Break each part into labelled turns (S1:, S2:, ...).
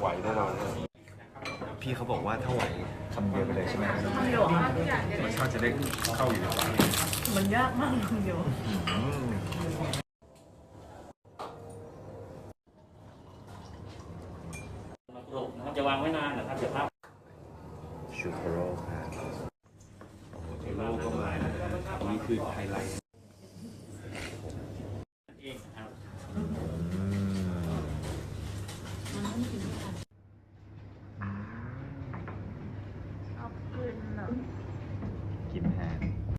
S1: ไหวแน่นอน
S2: พี่เขาบอกว่าถ้าไหวคำเดียวไปเลยใช่ไหม
S3: คำเดียวอ่ะ
S1: รสชาติจะได้เข้าอยู่ในปาก
S3: มันยากมากคำเดียว
S4: กรุบนะครับจะวางไว้นานนะครับเดี๋ยวภาพ
S2: ชูโคโร่ครับ
S1: โลกก็มาอันนี้คือไฮไลท์
S4: เองนะครับ
S3: เอาคืนอ่ะ
S2: กินแทน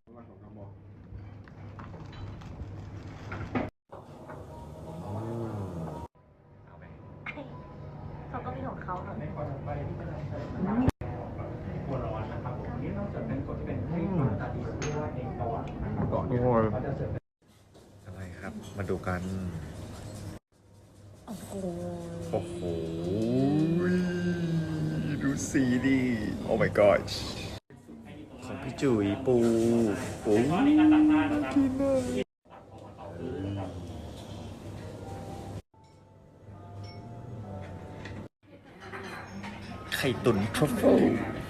S3: เขาก็มีของเขาค่ะ
S4: ในข้อถัดไปที่จะนำเสนอนะครับตัวร้อนนะครับผมนี่นอกจากเป็นกฎที่เป็นให้ความตาดีหรือว่าเองประวัตินะครับก่อนเนี่ยเขาจะเสิร์ฟ
S2: อะไรครับ มาดูกัน
S3: โอ้โห
S2: โอ้โห ดูสีดิโอ้ my god ของพี่จุ๋ยปูโอ้ย
S4: ในการตักทานนะครับ
S2: กินเลย
S4: นะครับ
S2: ไข่ตุ๋นทรัฟเฟิล